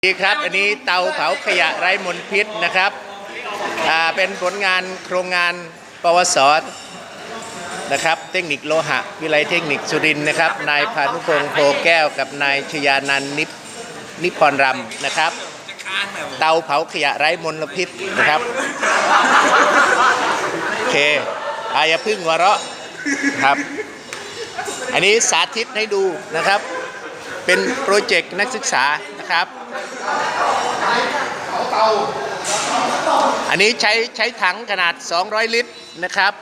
ดีครับอันนี้เตาเผาขยะไร้มลพิษนะครับเป็นผลงานโครงงานปวสนะครับเทคนิคโลหะวิไลเทคนิคสุรินทร์นะครับนายพานุพงษ์โพแก้วกับนายชยานันท์นิพรรำนะครับเตาเผาขยะไร้มลพิษนะครับโอเคอย่าพึ่งหัวเราะครับอันนี้สาธิตให้ดูนะครับเป็นโปรเจกต์นักศึกษานะครับอันนี้ใช้ถังขนาด200ลิตรนะครับ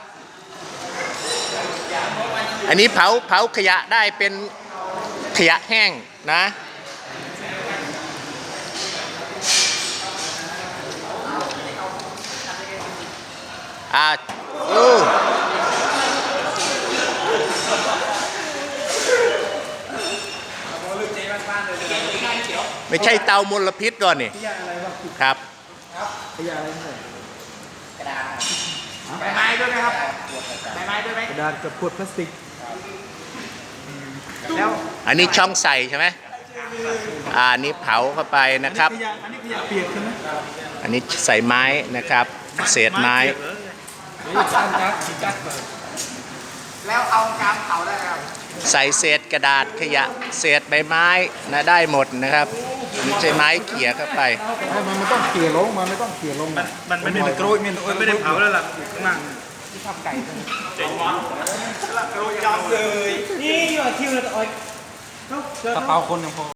อันนี้เผาขยะได้เป็นขยะแห้งนะไม่ใช่เตามลพิษก่อนนี่ครับขยะอะไรเนี่ยกระดาษใบไม้ด้วยไหมครับใบไม้ด้วยไหมกระดาษกับขวดพลาสติกแล้วอันนี้ช่องใส่ใช่ไหมอันนี้เผาเข้าไปนะครับอันนี้ขยะเปียกใช่ไหมอันนี้ใส่ไม้นะครับเศษไม้แล้วเอาการเผาได้ครับใส่เศษกระดาษขยะเศษใบไม้นะได้หมดนะครับไม่ใช่ไม้เขี่ยเข้าไปมันต้องเขี่ยลงมันไม่ต้องเขี่ยลงมันไม่ได้กรวยมันไม่ได้เผาแล้วล่ะอยู่ข้างล่างที่ทำไก่เจ๋งวะกระโดดยอมเลยนี่อยู่คิวเลยต่อยกระเป๋าคนยังพอ